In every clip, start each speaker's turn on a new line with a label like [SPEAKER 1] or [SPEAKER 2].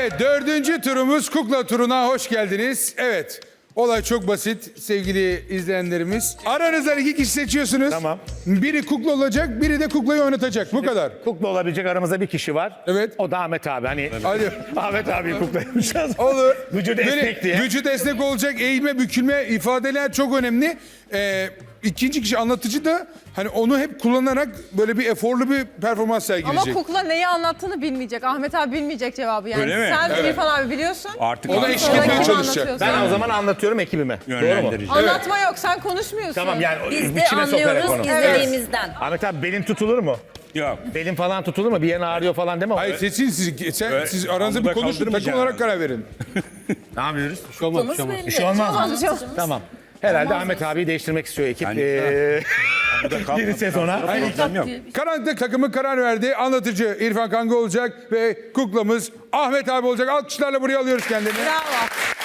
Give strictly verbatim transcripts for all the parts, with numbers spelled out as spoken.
[SPEAKER 1] Evet, dördüncü turumuz kukla turuna hoş geldiniz. Evet, olay çok basit sevgili izleyenlerimiz. Aranızdan iki kişi seçiyorsunuz.
[SPEAKER 2] Tamam.
[SPEAKER 1] Biri kukla olacak, biri de kuklayı oynatacak. Bu kadar.
[SPEAKER 2] Kukla olabilecek aramızda bir kişi var.
[SPEAKER 1] Evet.
[SPEAKER 2] O da Ahmet abi. Hani
[SPEAKER 1] Hadi.
[SPEAKER 2] Ahmet abi kukla yapacağız.
[SPEAKER 1] Olur.
[SPEAKER 2] Vücudu
[SPEAKER 1] Böyle
[SPEAKER 2] esnek diye.
[SPEAKER 1] Vücut esnek olacak, eğilme, bükülme ifadeler çok önemli. Ee, ikinci kişi anlatıcı da hani onu hep kullanarak böyle bir eforlu bir performans
[SPEAKER 3] Ama
[SPEAKER 1] sergileyecek.
[SPEAKER 3] kukla neyi anlattığını bilmeyecek. Ahmet abi bilmeyecek cevabı yani.
[SPEAKER 4] Öyle mi?
[SPEAKER 3] Sen
[SPEAKER 1] Evet.
[SPEAKER 3] İrfan abi biliyorsun.
[SPEAKER 4] Artık
[SPEAKER 1] Ona
[SPEAKER 4] artık
[SPEAKER 1] eşlik
[SPEAKER 3] Sonra
[SPEAKER 1] etmeye
[SPEAKER 3] kim
[SPEAKER 1] çalışacak.
[SPEAKER 3] anlatıyorsa.
[SPEAKER 2] Ben o zaman anlatıyorum ekibime. Doğru mu?
[SPEAKER 4] yönlendirici.
[SPEAKER 3] Anlatma yok, sen konuşmuyorsun.
[SPEAKER 2] Tamam yani
[SPEAKER 5] Biz de
[SPEAKER 2] içine sokarak
[SPEAKER 5] anlıyoruz
[SPEAKER 2] onu.
[SPEAKER 5] izlediğimizden.
[SPEAKER 2] Ahmet abi belin tutulur mu?
[SPEAKER 4] Yok.
[SPEAKER 2] Belin falan tutulur mu? Bir yerin ağrıyor falan deme.
[SPEAKER 1] Hayır seçin siz, sen,
[SPEAKER 4] Öyle-
[SPEAKER 1] siz aranızda bir
[SPEAKER 4] Anda
[SPEAKER 1] konuşun, takım
[SPEAKER 4] kaldırmayacağım
[SPEAKER 1] olarak
[SPEAKER 4] yani.
[SPEAKER 1] karar verin.
[SPEAKER 2] Ne yapıyoruz?
[SPEAKER 5] Kutlamız belli.
[SPEAKER 2] Bir şey olmaz mı?
[SPEAKER 3] Olmaz bir şey olmaz.
[SPEAKER 2] Tamam. Herhalde Ahmet abiyi değiştirmek istiyor ekip.
[SPEAKER 4] Yani-
[SPEAKER 2] Ee,
[SPEAKER 4] Burada kalmadı.
[SPEAKER 2] Yeni sezona.
[SPEAKER 4] Problem yok.
[SPEAKER 1] Karanlık takımı karar verdi. Anlatıcı İrfan Kanga olacak ve kuklamız Ahmet abi olacak. Alkışlarla buraya alıyoruz kendini.
[SPEAKER 3] Bravo.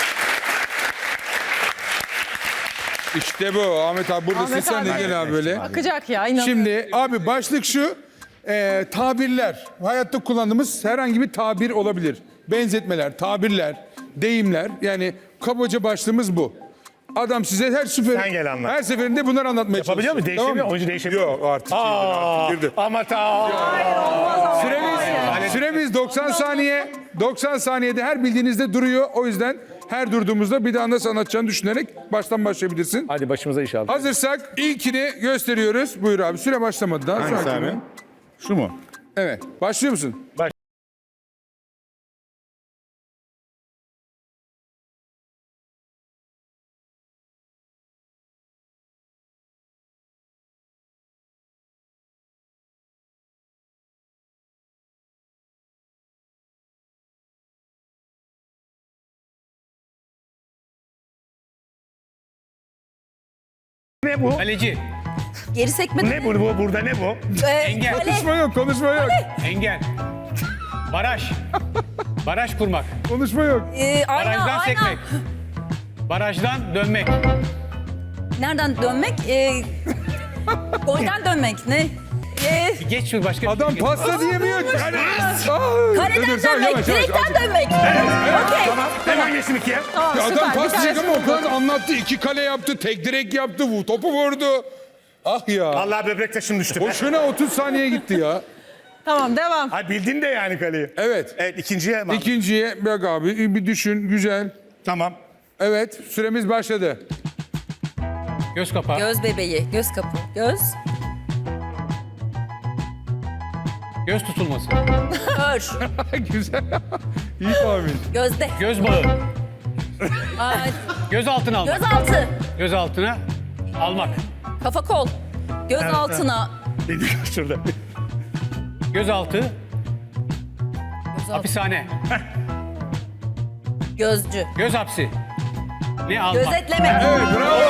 [SPEAKER 1] İşte bu. Ahmet abi buradasın.
[SPEAKER 3] Ahmet
[SPEAKER 1] Sen de
[SPEAKER 3] abi.
[SPEAKER 1] gel abi böyle.
[SPEAKER 3] Akacak ya, inanıyorum.
[SPEAKER 1] Şimdi abi başlık şu. e, tabirler. Hayatta kullandığımız herhangi bir tabir olabilir. Benzetmeler, tabirler, deyimler. Yani kabaca başlığımız bu. Adam size her sefer,
[SPEAKER 2] Sen gel anlat.
[SPEAKER 1] her seferinde bunları anlatmaya
[SPEAKER 2] Yapabiliyor mu?
[SPEAKER 1] çalışıyor.
[SPEAKER 2] Değişebiliyor
[SPEAKER 1] Tamam
[SPEAKER 2] mu?
[SPEAKER 1] mı?
[SPEAKER 2] Oyuncu değişebiliyor mu?
[SPEAKER 1] Yok artık.
[SPEAKER 2] Aa,
[SPEAKER 1] girdi.
[SPEAKER 2] Ahmet abi.
[SPEAKER 1] Süremiz, süremiz doksan saniye. doksan saniyede her bildiğinizde duruyor. O yüzden her durduğumuzda bir daha nasıl anlatacağını düşünerek baştan başlayabilirsin.
[SPEAKER 2] Hadi başımıza inşallah.
[SPEAKER 1] Hazırsak ilkini gösteriyoruz. Buyur abi. Süre başlamadı daha.
[SPEAKER 4] Hangisi
[SPEAKER 1] Sakin
[SPEAKER 4] abi?
[SPEAKER 1] ol.
[SPEAKER 4] Şu mu?
[SPEAKER 1] Evet. Başlıyor musun?
[SPEAKER 2] Baş- Ne bu?
[SPEAKER 6] Kaleci,
[SPEAKER 5] Geri sekme.
[SPEAKER 2] Ne bu? bu? Burada ne bu?
[SPEAKER 5] Ee,
[SPEAKER 6] engel.
[SPEAKER 5] kale.
[SPEAKER 1] Konuşma yok. Konuşma yok.
[SPEAKER 6] engel, baraj, baraj kurmak,
[SPEAKER 1] Konuşma yok.
[SPEAKER 5] Ee, ayna,
[SPEAKER 6] barajdan
[SPEAKER 5] ayna.
[SPEAKER 6] sekmek, barajdan dönmek,
[SPEAKER 5] Nereden dönmek? Ee, golden dönmek. Ne? Ee,
[SPEAKER 6] geç bir başka bir
[SPEAKER 1] Adam
[SPEAKER 6] şey.
[SPEAKER 1] pasta diyemiyor. Yani. Aa,
[SPEAKER 5] kaleden
[SPEAKER 1] dur, sen
[SPEAKER 5] dönmek.
[SPEAKER 1] yavaş, yavaş,
[SPEAKER 5] Direkten
[SPEAKER 1] azıcık.
[SPEAKER 5] dönmek. Okey.
[SPEAKER 2] Tamam. Hemen geçtim ikiye.
[SPEAKER 3] Tamam,
[SPEAKER 1] Ya
[SPEAKER 3] süper.
[SPEAKER 1] adam
[SPEAKER 3] Bir
[SPEAKER 1] pas diyecek
[SPEAKER 3] tanesi
[SPEAKER 1] ama o
[SPEAKER 3] buldu.
[SPEAKER 1] kadar anlattı. İki kale yaptı, tek direk yaptı, vu- topu vurdu. Ah ya.
[SPEAKER 2] Allah böbrek taşım düştü.
[SPEAKER 1] Boşuna otuz saniye gitti ya.
[SPEAKER 3] Tamam, devam.
[SPEAKER 2] Ay bildin de yani kaleyi.
[SPEAKER 1] Evet.
[SPEAKER 2] Evet ikinciye hemen.
[SPEAKER 1] İkinciye bak abi bir düşün. Güzel.
[SPEAKER 2] Tamam.
[SPEAKER 1] Evet. Süremiz başladı.
[SPEAKER 6] Göz kapağı,
[SPEAKER 5] Göz bebeği. Göz kapı. Göz.
[SPEAKER 6] göz tutulması,
[SPEAKER 5] Kör.
[SPEAKER 1] Güzel. İyi tahmin.
[SPEAKER 5] Gözde.
[SPEAKER 6] göz bağı,
[SPEAKER 5] Aa,
[SPEAKER 6] göz altına almak,
[SPEAKER 5] göz altı.
[SPEAKER 6] göz altına almak,
[SPEAKER 5] Kafa kol. Göz altına.
[SPEAKER 2] Dedi şurada.
[SPEAKER 6] göz altı,
[SPEAKER 5] Göz altı.
[SPEAKER 6] hapishane,
[SPEAKER 5] Gözcü.
[SPEAKER 6] göz hapsi, ne almak,
[SPEAKER 5] Gözetleme.
[SPEAKER 1] Evet bravo.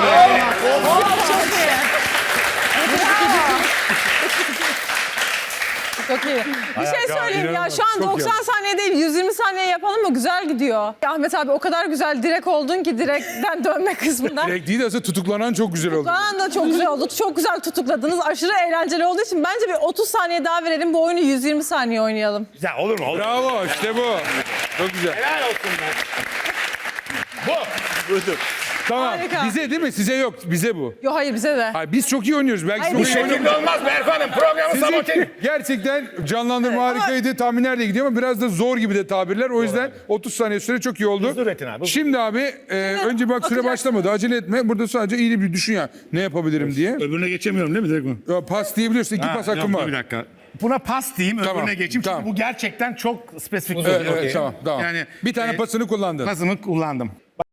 [SPEAKER 3] Çok iyi. Bir şey söyleyeyim ya, şu an
[SPEAKER 1] Çok
[SPEAKER 3] doksan
[SPEAKER 1] iyi.
[SPEAKER 3] saniye değil, yüz yirmi saniye yapalım mı? Güzel gidiyor. Ahmet abi o kadar güzel direkt oldun ki direkten dönme kısmından.
[SPEAKER 1] Direkt değil de aslında tutuklanan çok güzel oldu.
[SPEAKER 3] Şu anda çok güzel oldu. Çok güzel tutukladınız. Aşırı eğlenceli olduğu için bence bir otuz saniye daha verelim. Bu oyunu yüz yirmi saniye oynayalım.
[SPEAKER 2] Güzel olur mu? Olur.
[SPEAKER 1] Bravo işte bu. Çok güzel.
[SPEAKER 2] Helal olsun be. Bu. Budur.
[SPEAKER 1] Tamam.
[SPEAKER 3] Harika.
[SPEAKER 1] Bize değil mi? Size yok. Bize bu.
[SPEAKER 3] Yo hayır, bize de.
[SPEAKER 1] Hayır, biz çok iyi oynuyoruz. Belki
[SPEAKER 3] Hayır,
[SPEAKER 1] çok
[SPEAKER 3] bu
[SPEAKER 1] iyi
[SPEAKER 3] şekilde
[SPEAKER 1] oynuyoruz.
[SPEAKER 2] Şimdi olmaz Berfu Hanım. Programı sabote.
[SPEAKER 1] Sizinki gerçekten canlandırma
[SPEAKER 3] Evet,
[SPEAKER 1] harikaydı. Tahminler de gidiyor ama biraz da zor gibi de tabirler. O yüzden otuz saniye süre çok iyi oldu.
[SPEAKER 2] Hızlı üretin abi.
[SPEAKER 1] Şimdi abi e, önce bak süre
[SPEAKER 3] Bakacaksın.
[SPEAKER 1] başlamadı. Acele etme. Burada sadece iyi bir düşün ya. Ne yapabilirim diye.
[SPEAKER 4] Öbürüne geçemiyorum değil mi direkt mi?
[SPEAKER 1] Ya, pas diyebiliyorsun. İki pas hakkım var.
[SPEAKER 4] Bir dakika.
[SPEAKER 2] Buna pas diyeyim,
[SPEAKER 1] Tamam,
[SPEAKER 2] öbürüne geçeyim. Çünkü
[SPEAKER 1] tamam.
[SPEAKER 2] bu gerçekten çok spesifik bir
[SPEAKER 1] Evet,
[SPEAKER 2] soru.
[SPEAKER 1] evet, tamam, tamam.
[SPEAKER 2] Yani,
[SPEAKER 1] bir tane
[SPEAKER 2] e,
[SPEAKER 1] pasını kullandın.
[SPEAKER 2] Pasımı kullandım.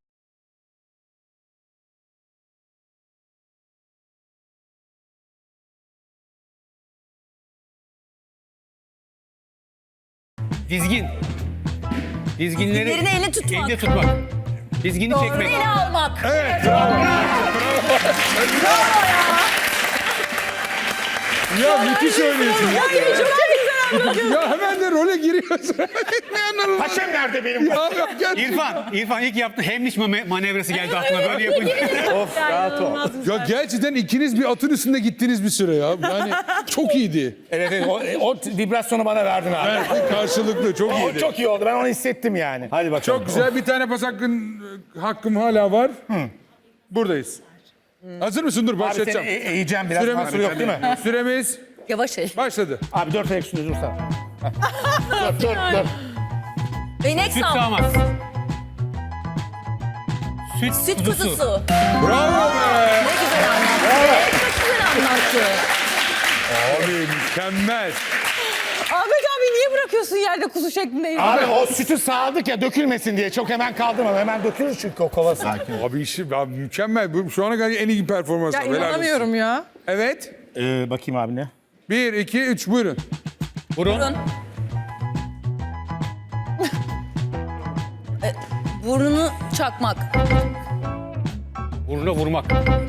[SPEAKER 6] dizgin, dizginleri
[SPEAKER 5] Dizginlerini elle tutmak.
[SPEAKER 6] elde tutmak, dizgini
[SPEAKER 5] Doğru
[SPEAKER 6] çekmek,
[SPEAKER 5] ele almak.
[SPEAKER 1] Evet bravo. Ya müthiş oynuyorsun. Ya, ya hemen de role giriyorsun. ne anladın?
[SPEAKER 2] Paşam nerede benim?
[SPEAKER 1] Ya, ya, gel.
[SPEAKER 6] İrfan, İrfan ilk yaptığı Hemliç mane- manevrası geldi aklına böyle yapınca.
[SPEAKER 2] Of rahat ol.
[SPEAKER 1] Ya gerçekten ikiniz bir atın üstünde gittiniz bir süre ya. Yani çok iyiydi.
[SPEAKER 2] Evet, evet o, o vibrasyonu bana verdin abi.
[SPEAKER 1] Evet, karşılıklı çok
[SPEAKER 2] O
[SPEAKER 1] iyiydi.
[SPEAKER 2] çok iyi oldu. Ben onu hissettim yani. Hadi bakalım.
[SPEAKER 1] Çok güzel, bir tane pas hakkın, hakkım hala var. Buradayız. Hazır mısın? Dur
[SPEAKER 2] Abi seni
[SPEAKER 1] başlatacağım.
[SPEAKER 2] e- eğeceğim biraz.
[SPEAKER 1] Süremiz,
[SPEAKER 2] Mahsuru yok değil mi?
[SPEAKER 1] Süremiz
[SPEAKER 5] Yavaş el.
[SPEAKER 1] başladı.
[SPEAKER 2] Abi dört ayak üstünde dursana. dur dur dur.
[SPEAKER 5] Benek
[SPEAKER 6] Süt
[SPEAKER 5] sağ.
[SPEAKER 6] sağmaz. Süt,
[SPEAKER 5] Süt
[SPEAKER 6] kuzusu.
[SPEAKER 5] kuzusu.
[SPEAKER 1] Bravo be!
[SPEAKER 5] Ne güzel anlattı. Çok güzel anlattı.
[SPEAKER 1] Abi mükemmel.
[SPEAKER 3] Ahmet abi niye bırakıyorsun yerde kuzu şeklinde?
[SPEAKER 2] Abi o sütü sağladık ya dökülmesin diye. Çok hemen kaldırma. Hemen dökülür çünkü o kova. Sakin.
[SPEAKER 1] Abi işi abi, mükemmel. Bu şu ana kadar en iyi performans.
[SPEAKER 3] Ya
[SPEAKER 1] Helal olsun.
[SPEAKER 3] inanamıyorum ya.
[SPEAKER 1] Evet.
[SPEAKER 2] Ee, bakayım abi ne?
[SPEAKER 1] Bir, iki, üç buyurun.
[SPEAKER 6] Burun.
[SPEAKER 5] Burun. E, burnunu çakmak.
[SPEAKER 6] Burnuna vurmak.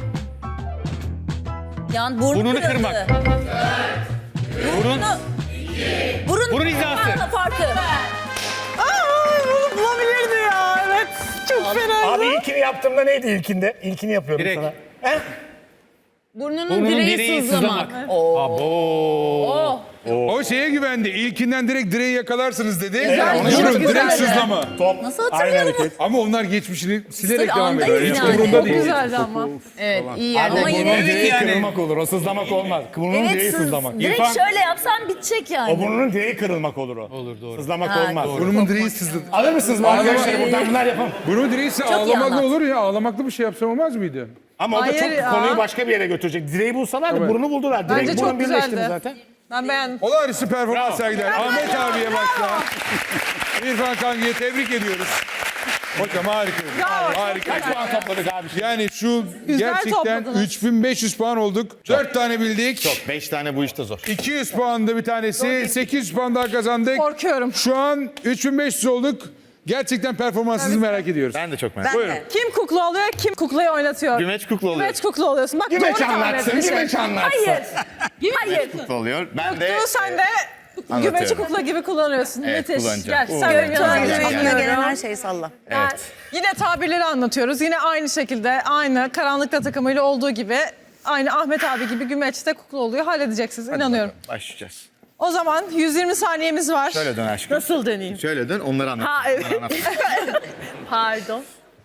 [SPEAKER 5] Yani burnu
[SPEAKER 6] Burnunu
[SPEAKER 5] kırıldı.
[SPEAKER 6] kırmak. Burun.
[SPEAKER 5] Burnu. Burun,
[SPEAKER 6] Burun hizası.
[SPEAKER 5] Farkı, farkı.
[SPEAKER 3] Aa, bunu bulabilirdi ya. Evet. Çok fena.
[SPEAKER 2] Abi ilkini yaptığımda neydi ilkinde? İlkini yapıyorum
[SPEAKER 6] Direkt.
[SPEAKER 2] sana. He?
[SPEAKER 5] Burnunun,
[SPEAKER 6] Burnunun
[SPEAKER 5] direği,
[SPEAKER 6] direği
[SPEAKER 5] sızlamak.
[SPEAKER 6] sızlamak.
[SPEAKER 5] Oo.
[SPEAKER 6] Abo.
[SPEAKER 1] O şeye güvendi. İlkinden direkt direği yakalarsınız dedi.
[SPEAKER 2] Güzel,
[SPEAKER 1] Durun,
[SPEAKER 2] çok
[SPEAKER 1] direkt
[SPEAKER 3] güzeldi.
[SPEAKER 1] sızlama.
[SPEAKER 2] Top.
[SPEAKER 5] Nasıl
[SPEAKER 2] Aynı
[SPEAKER 5] hatırlayalım?
[SPEAKER 2] hareket.
[SPEAKER 1] Ama onlar geçmişini silerek
[SPEAKER 5] Tabii
[SPEAKER 1] devam ediyor.
[SPEAKER 5] andayız
[SPEAKER 1] Hiç
[SPEAKER 5] yani.
[SPEAKER 1] umurunda
[SPEAKER 3] Çok
[SPEAKER 1] değil.
[SPEAKER 3] güzeldi ama.
[SPEAKER 5] Evet iyi
[SPEAKER 2] Abi
[SPEAKER 5] ama
[SPEAKER 2] burnun
[SPEAKER 5] yine...
[SPEAKER 2] direği
[SPEAKER 6] yani.
[SPEAKER 2] kırılmak olur. O sızlamak olmaz. Burnun
[SPEAKER 5] Evet
[SPEAKER 2] direği
[SPEAKER 5] sız,
[SPEAKER 2] sızlamak.
[SPEAKER 5] direkt
[SPEAKER 6] İrfan-
[SPEAKER 5] şöyle yapsan bitecek yani.
[SPEAKER 2] O burnunun direği kırılmak olur o.
[SPEAKER 6] Olur, doğru.
[SPEAKER 2] Sızlamak
[SPEAKER 5] Ha,
[SPEAKER 2] olmaz.
[SPEAKER 5] doğru.
[SPEAKER 1] Burnumun direği sızladı.
[SPEAKER 2] Alır mısınız bu arkadaşlar? Buradan bunlar yapalım.
[SPEAKER 1] Burnu direği ise
[SPEAKER 5] iyi
[SPEAKER 1] ağlamaklı
[SPEAKER 5] anlat.
[SPEAKER 1] olur ya. Ağlamaklı bir şey yapsam olmaz mıydı?
[SPEAKER 2] Ama o da
[SPEAKER 3] Hayır
[SPEAKER 2] çok
[SPEAKER 3] ya.
[SPEAKER 2] konuyu başka bir yere götürecek. Direği bulsalar da
[SPEAKER 1] Evet.
[SPEAKER 2] burnu buldular. Direkt
[SPEAKER 3] Bence
[SPEAKER 2] burun
[SPEAKER 3] çok
[SPEAKER 2] birleşti
[SPEAKER 3] güzeldi.
[SPEAKER 2] zaten.
[SPEAKER 3] Ben beğendim.
[SPEAKER 1] Olağanüstü performans
[SPEAKER 2] Bravo.
[SPEAKER 1] sergiler. Ahmet abiye başla. İrfan Kangi'ye tebrik ediyoruz. Hocam harika. Harika.
[SPEAKER 2] Kaç puan topladık abi?
[SPEAKER 1] Yani şu
[SPEAKER 3] Güzel
[SPEAKER 1] gerçekten
[SPEAKER 3] topladınız.
[SPEAKER 1] üç bin beş yüz puan olduk. dört tane bildik.
[SPEAKER 2] beş tane bu işte zor.
[SPEAKER 1] iki yüz puan da bir tanesi. sekiz yüz puan daha kazandık.
[SPEAKER 3] Korkuyorum.
[SPEAKER 1] Şu an üç bin beş yüz olduk. Gerçekten performansınızı merak ediyoruz.
[SPEAKER 7] Ben de çok merak
[SPEAKER 3] Ben
[SPEAKER 1] Buyurun.
[SPEAKER 3] de. Kim kukla oluyor, kim kuklayı oynatıyor?
[SPEAKER 7] Gümeç kukla oluyor.
[SPEAKER 3] Gümeç kukla oluyorsun. Bak
[SPEAKER 2] Gümeç
[SPEAKER 3] doğru tahmin
[SPEAKER 2] anlatsın,
[SPEAKER 3] etmişsin.
[SPEAKER 2] gümeç anlatsın.
[SPEAKER 3] Hayır. Hayır.
[SPEAKER 7] Kukla oluyor. Ben de
[SPEAKER 3] Göktuğ sen de gümeçi kukla gibi kullanıyorsun.
[SPEAKER 7] Evet,
[SPEAKER 3] Müthiş.
[SPEAKER 7] kullanacağım.
[SPEAKER 3] Gel sen benim yanıma geç.
[SPEAKER 8] Aklına gelen her
[SPEAKER 3] Anlıyorum.
[SPEAKER 8] şeyi salla.
[SPEAKER 7] evet.
[SPEAKER 3] Yine tabirleri anlatıyoruz. Yine aynı şekilde aynı karanlıkta takımıyla olduğu gibi aynı Ahmet abi gibi gümeçte kukla oluyor. Halledeceksiniz. İnanıyorum.
[SPEAKER 7] Başlayacağız.
[SPEAKER 3] O zaman yüz yirmi saniyemiz var.
[SPEAKER 7] Şöyle dön aşkım.
[SPEAKER 3] Nasıl deneyeyim?
[SPEAKER 7] Şöyle dön onları anlat.
[SPEAKER 3] Ha evet.
[SPEAKER 7] Onları anlat.
[SPEAKER 3] Pardon.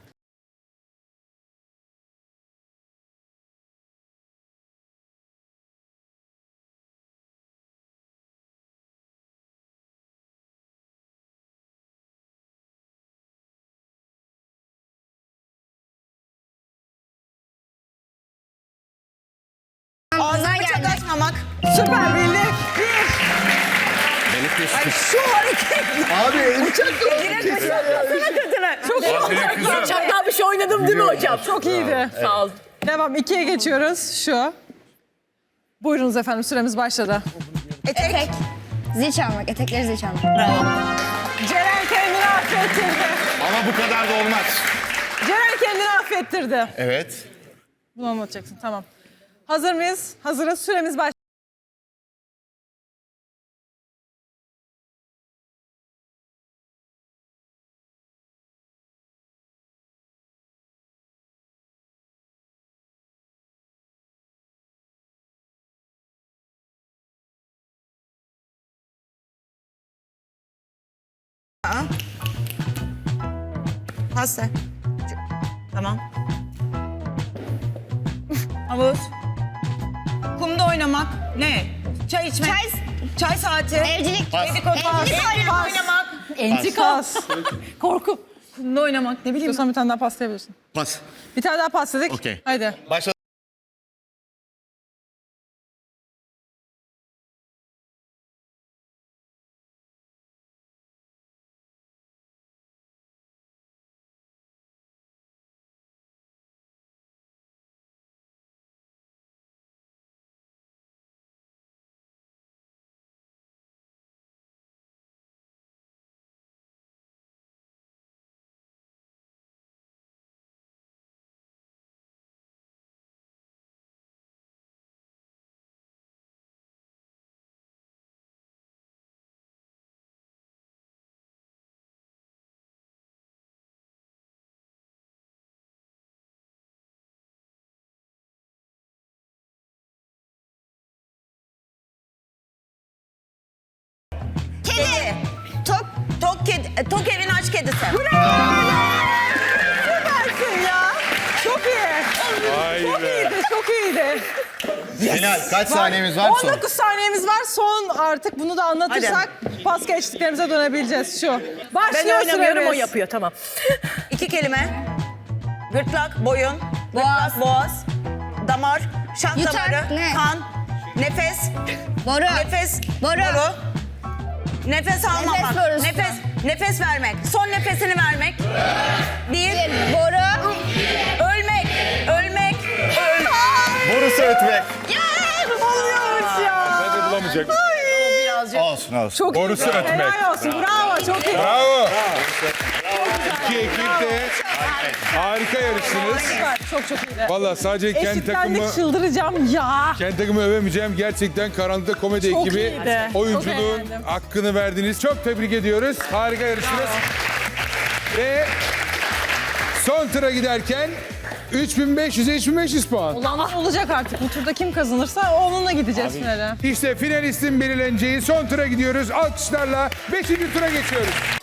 [SPEAKER 8] Ağzına çok açmamak.
[SPEAKER 3] Süper bildik. Bir.
[SPEAKER 8] Şu hareket.
[SPEAKER 7] Abi
[SPEAKER 3] Çok iyi.
[SPEAKER 5] Çakal bir şey oynadım değil mi hocam?
[SPEAKER 3] Çok iyiydi.
[SPEAKER 5] Sağ ol.
[SPEAKER 3] Devam. ikiye geçiyoruz. Şu. Buyurunuz efendim. Süremiz başladı.
[SPEAKER 8] Etek. Zil çalmak. Etekleri zil çalmak.
[SPEAKER 3] Ceren kendini affettirdi.
[SPEAKER 7] ama bu kadar da olmaz.
[SPEAKER 3] Ceren kendini affettirdi.
[SPEAKER 7] Evet.
[SPEAKER 3] Bunu anlatacaksın. Tamam. Hazır mıyız? Hazırız. Süremiz başladı.
[SPEAKER 8] Pasta. Tamam. Havuz. Kumda oynamak. Ne? Çay içmek. Çay, çay saati. Evcilik. Dedikodu. Evcilik oynamak. oynamak.
[SPEAKER 3] Entrikas. Korku.
[SPEAKER 8] Kumda oynamak. Ne bileyim.
[SPEAKER 3] İstiyorsan bir tane daha paslayabilirsin.
[SPEAKER 7] Pas.
[SPEAKER 3] Bir tane daha pasladık.
[SPEAKER 7] Okey.
[SPEAKER 3] Haydi.
[SPEAKER 7] Başla.
[SPEAKER 8] Kedi. Tok. Tok kedi. e, Tok evin aç kedisi.
[SPEAKER 3] Süpersin ya. Çok iyi. Çok iyiydi, çok iyiydi.
[SPEAKER 7] Final. Kaç saniyemiz var
[SPEAKER 3] on
[SPEAKER 7] son?
[SPEAKER 3] dokuz saniyemiz var. Son artık bunu da anlatırsak pas geçtiklerimize dönebileceğiz şu. Başlıyor süremiz.
[SPEAKER 5] o yapıyor tamam.
[SPEAKER 8] İki kelime. Gırtlak, boyun, boğaz, boğaz, damar, şah
[SPEAKER 9] Yutak,
[SPEAKER 8] damarı,
[SPEAKER 9] ne?
[SPEAKER 8] kan, nefes,
[SPEAKER 9] Boru.
[SPEAKER 8] nefes,
[SPEAKER 9] Boru.
[SPEAKER 8] nefes almamak,
[SPEAKER 9] borusu.
[SPEAKER 8] nefes, nefes vermek, son nefesini vermek. Bir,
[SPEAKER 9] Boru.
[SPEAKER 8] ölmek, ölmek, öl.
[SPEAKER 7] Borusu ötmek.
[SPEAKER 3] Oluyormuş ya.
[SPEAKER 1] Hadi bulamayacak.
[SPEAKER 7] Olsun olsun.
[SPEAKER 3] Çok
[SPEAKER 1] Borusu
[SPEAKER 3] iyi.
[SPEAKER 1] ötmek.
[SPEAKER 3] Helal olsun. Bravo. Çok iyi.
[SPEAKER 1] Bravo. İki ekip de harika yarıştınız.
[SPEAKER 3] Süper. Çok çok iyiydi.
[SPEAKER 1] Valla sadece kendi takımı,
[SPEAKER 3] Eşitlendik, çıldıracağım ya.
[SPEAKER 1] kendi takımı övemeyeceğim. Gerçekten Karanlıkta Komedi
[SPEAKER 3] Çok
[SPEAKER 1] ekibi
[SPEAKER 3] iyiydi. Çok
[SPEAKER 1] oyunculuğun
[SPEAKER 3] eğlendim.
[SPEAKER 1] hakkını verdiniz. Çok tebrik ediyoruz. Harika yarıştınız. Ve son tura giderken üç bin beş yüze üç bin beş yüz puan.
[SPEAKER 3] Olan olacak artık. Bu turda kim kazanırsa onunla gideceğiz finale.
[SPEAKER 1] İşte finalistin belirleneceği son tura gidiyoruz. Alkışlarla beşinci tura geçiyoruz.